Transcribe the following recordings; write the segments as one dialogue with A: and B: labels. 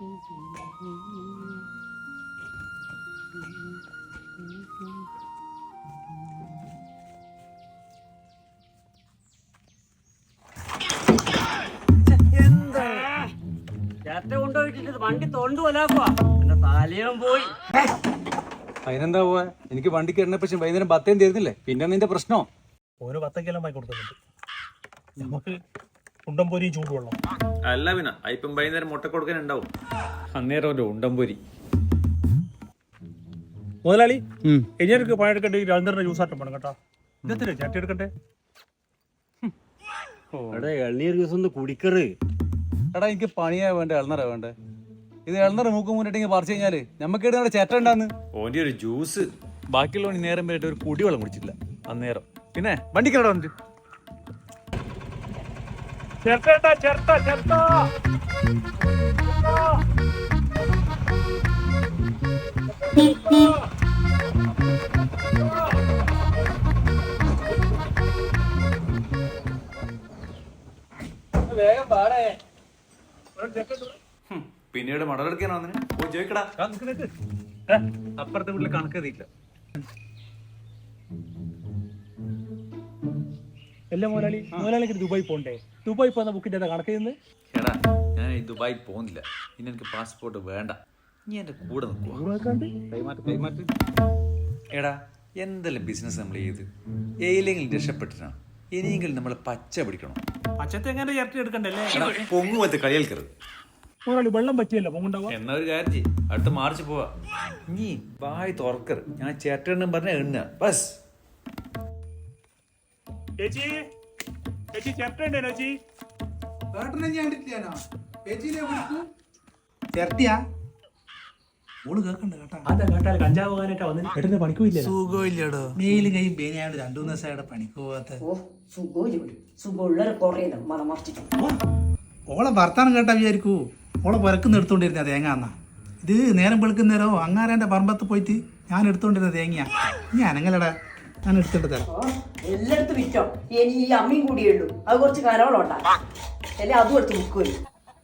A: വണ്ടി തൊണ്ടു പോലാക്കുവാ എന്റെ തലയും പോയി.
B: അതിനെന്താ പോവാ? എനിക്ക് വണ്ടിക്ക് എണ്ണ പക്ഷെ വൈകുന്നേരം 10 തരുന്നില്ലേ, പിന്നെ നിന്റെ പ്രശ്നോ?
C: ഓരോ 10 വാങ്ങി കൊടുക്കുന്നുണ്ട്. നമുക്ക് ഉണ്ടംപൊരിയും ചൂടുവെള്ളം
D: അല്ല പിന്നെ ഇപ്പം വൈകുന്നേരം മുട്ട കൊടുക്കാൻ ഉണ്ടാവും.
B: അന്നേരം ഒരു ഉണ്ടംപൊരി.
C: മുതലാളി എനിക്ക് പണിയെടുക്കണ്ടേ? രണ്ടര ജ്യൂസ് ആട്ടം വേണം കേട്ടോ. ഇതെത്തില്ലേ ചട്ടി എടുക്കട്ടെ?
A: എള്ളിയൊരു ദിവസം ഒന്ന് കുടിക്കറ്.
B: എടാ എനിക്ക് പണിയാ വേണ്ടേ എളനറാ വേണ്ടേ? ഇത് എളനറ മൂക്ക് മുന്നിട്ടെങ്കിൽ പറിച്ചു കഴിഞ്ഞാല് നമുക്ക് ഇവിടെ ചേട്ട ഉണ്ടാന്ന്
D: ഓന്റെ ഒരു ജ്യൂസ്.
B: ബാക്കിയുള്ള നേരം വരെ ഒരു കുടിവെള്ളം കുടിച്ചില്ല അന്നേരം. പിന്നെ വണ്ടിക്കട വന്നിട്ട് വേഗം പാടേ.
D: പിന്നീട് മടലെടുക്കാനോ പോയി ചോദിക്കടാ.
B: അപ്പുറത്തെ വീട്ടില് കണക്കെത്തിയില്ല.
C: എല്ലാ മുതലാളിക്ക് ദുബായി പോണ്ടേ? ദുബായി പോകുന്ന ബുക്കിന്റെ കണക്ക് ചെയ്യുന്നത്?
D: എടാ ഞാൻ ദുബായി പോകുന്നില്ല. ഇനി എനിക്ക് പാസ്പോർട്ട് വേണ്ട. നീ എന്റെ കൂടെ നിൽക്കുക. എടാ എന്തെല്ലാം ബിസിനസ് നമ്മൾ ചെയ്ത് ഏലെങ്കിലും രക്ഷപ്പെട്ടിട്ടാണ്. ഇനിയെങ്കിലും നമ്മൾ പച്ച പിടിക്കണം.
C: അച്ഛത്തെ എങ്ങനെ ചേർത്തി എടുക്കണ്ടല്ലേ?
D: പൊങ്ങുമത്തെ കളിയേൽക്കരുത്.
C: മുതലാളി വെള്ളം പറ്റിയല്ലോ പൊങ്ങുണ്ടാവുക.
D: എന്നാ ഒരു കാര്യം ചെയ്യ്, അടുത്ത മാർച്ച് പോവാ. നീ വായി തുറക്കരുത്. ഞാൻ ചേട്ടനും പറഞ്ഞ എണ്ണ ബസ്.
C: ചേച്ചി ചേച്ചി ചേട്ടണ്ടേ ചേച്ചി? കഞ്ചാവ് പോകാനായിട്ടാ വന്നിട്ട് പണിക്കൂല്ല.
E: സുഖമില്ലടോ. മെയിലും കൈയും പേനയാണ്ട് 2 ദിവസമായിട്ട് പണിക്ക് പോവാത്ത. ഓളെ ഭർത്താനം കേട്ടാ വിചാരിക്കൂ ഓളെ പുരക്കുന്ന് എടുത്തോണ്ടിരുന്ന തേങ്ങ എന്നാ. ഇത് നേരം വെളുക്കുന്നേരോ അങ്ങാരൻ്റെ പറമ്പത്ത് പോയിട്ട് ഞാൻ എടുത്തോണ്ടിരുന്ന തേങ്ങയാ. ഞാൻ അനങ്ങലടാ, ഞാൻ എടുത്തിട്ട് തരാം.
F: എല്ലായിടത്തും വിറ്റോ. ഇനി ഈ അമ്മയും കൂടിയേ ഉള്ളൂ. അത് കുറച്ച് കനവളുണ്ടാ അല്ലെ അതും എടുത്ത് മുക്കുവല്ലോ.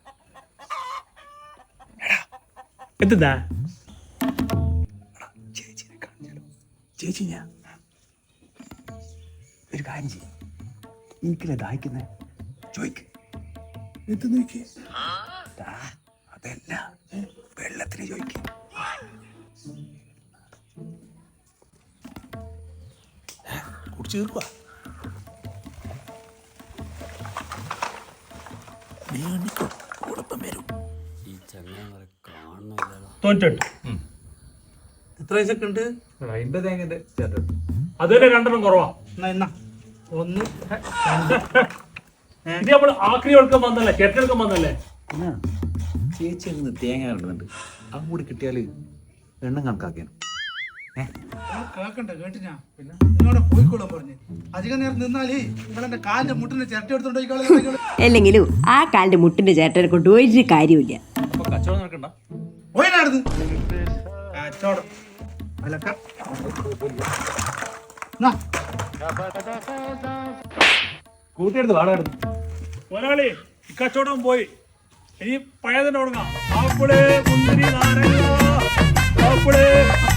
C: എന്താ
E: ചേച്ചി ഞാൻ ഒരു കാര്യം ചെയ്യും. എനിക്കല്ലേ ദാഹിക്കുന്നേ ചോയ്ക്ക്. എന്ത് നോക്കി? അതല്ല, വെള്ളത്തിന് ചോയ്ക്ക്. കുടിച്ചു തീർക്കുക. നീ എണ്ണിക്കോ, കുഴപ്പം വരും.
A: ഈ ചങ്ങായി കാണുന്നില്ല.
C: 98.
E: എത്ര പൈസക്ക് ഉണ്ട്?
B: 50 തേങ്ങന്റെ ചേട്ടൻ.
C: അതുവരെ 2 കുറവാ.
E: എന്നാ 1
C: ഇത് നമ്മൾ ആക്രി എടുക്കാൻ വന്നല്ലേ, ചേട്ടെടുക്കാൻ വന്നല്ലേ?
D: ചേച്ചി അങ്ങ് തേങ്ങ കിട്ടുന്നുണ്ട്. അതും കൂടി കിട്ടിയാല് എണ്ണം കണക്കാക്കിയാണ്.
E: കേക്കണ്ട കേട്ടിനാ. പിന്നെ എന്നോട് പോയിക്കോളാൻ പറഞ്ഞു. അധികം നേരം നിന്നാല് നിങ്ങളെന്റെ കാലിന്റെ മുട്ടിന്റെ ചിരട്ട എടുത്തോണ്ടോ?
F: അല്ലെങ്കിലും ആ കാലിന്റെ മുട്ടിന്റെ ചേട്ടനെ കൊണ്ട് ഒരു കാര്യമില്ല.
B: കച്ചവടം നടക്കണ്ട.
E: പോയിനായിരുന്നു കച്ചവടം അലക്ക.
B: കൂട്ടിയെടുത്ത് വാടായിരുന്നു.
C: മുതലാളി കച്ചവടം പോയി. ഇനി പഴയതിന്റെ തുടങ്ങാം. ആപ്പിള് മുന്തിരി നാരങ്ങ ആപ്പിള്